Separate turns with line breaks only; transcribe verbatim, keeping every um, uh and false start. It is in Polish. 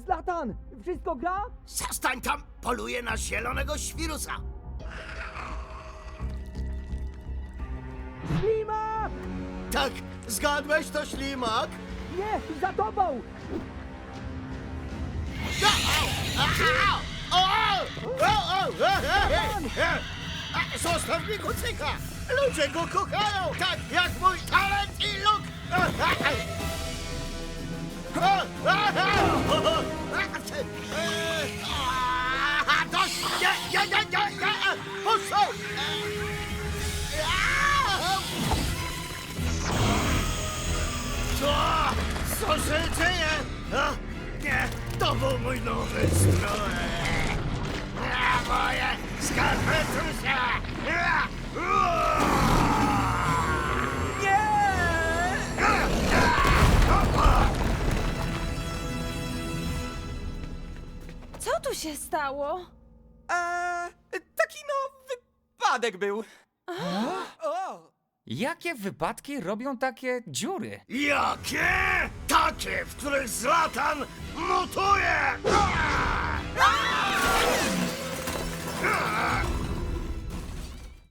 Zlatan, wszystko gra?
Zostań tam, poluję na zielonego świrusa.
Ślimak!
Tak, zgadłeś, to ślimak?
Nie, za tobą!
O! O! O! E, e, e, Zostaw mi kucyka! Ludzie go kochają, tak jak mój talent i luk! E, e, e. O! E, e, o, e, e, a, Dość! Nie, nie, nie, nie, nie! e, Puszczą! E, a, Co? Co się dzieje? A, nie, to był mój nowy strój! A, moje skarpetusze! A, uaa!
Nie!
Co tu się stało?
Eee, taki no wypadek był. O!
Jakie wypadki robią takie dziury?
Jakie? Takie, w których Zlatan mutuje!